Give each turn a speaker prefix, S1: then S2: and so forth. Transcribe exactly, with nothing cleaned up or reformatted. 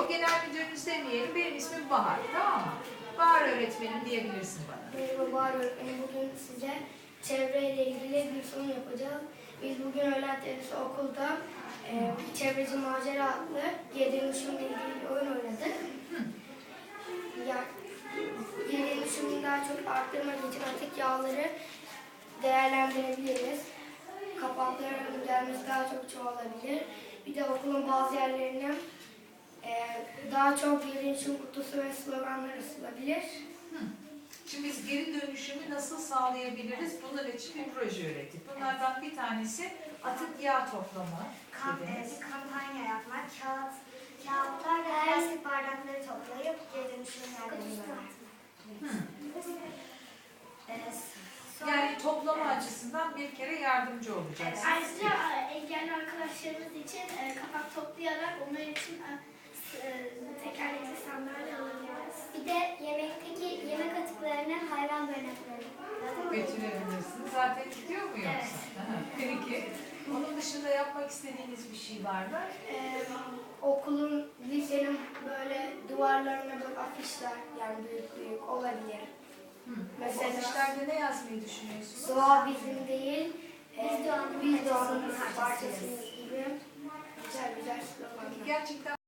S1: Yok, genel müdürünüz demeyelim. Benim ismim Bahar, tamam mı? Bahar öğretmenim diyebilirsin bana.
S2: Merhaba Bahar öğretmenim. Bugün size çevreyle ilgili bir sunum yapacağız. Biz bugün öğlen tenisi okulda e, Çevreci Macera adlı geri dönüşümle ilgili bir oyun oynadık. Ya, geri dönüşümünü daha çok arttırmak için atık yağları değerlendirebiliriz. Kapakların gelmesi daha çok çoğalabilir. Bir de okulun bazı yerlerine e, daha çok geri dönüşüm kutusu ve sloganlar asılabilir.
S1: Şimdi biz geri dönüşümü nasıl sağlayabiliriz? Bunlar için bir proje ürettik. Bunlardan bir tanesi atık yağ toplama.
S3: Kamp,
S1: dediniz.
S3: bir kampanya yapmak, kağıt, kağıtlar ve plastik bardakları toplayıp geri dönüşüm yerlerine
S1: Hı.
S3: evet.
S1: Yani toplama açısından bir kere yardımcı olacaksınız.
S4: Ayrıca e, engelli arkadaşlarımız için e, kapak toplayarak onlar için e, tekerlekli sandalye alabiliriz.
S3: Bir de yemekteki yemek atıklarını hayvan barınaklarına
S1: Götürebilirsiniz. Zaten gidiyor mu yoksa?
S3: Evet.
S1: Aha, peki. Onun dışında yapmak istediğiniz bir şey var mı?
S2: Ee, okulun, lisenin böyle duvarlarına böyle afişler, yani büyük büyük olabilir.
S1: Hı.
S2: Mesela-
S1: O afişlerde ne yazmayı düşünüyorsunuz?
S2: Doğa bizim değil,
S3: Biz
S2: e,
S3: doğanın
S2: biz doğanın
S3: parçasıyız.
S2: parçasıyız gibi güzel güzel sloganlar.
S1: Gerçekten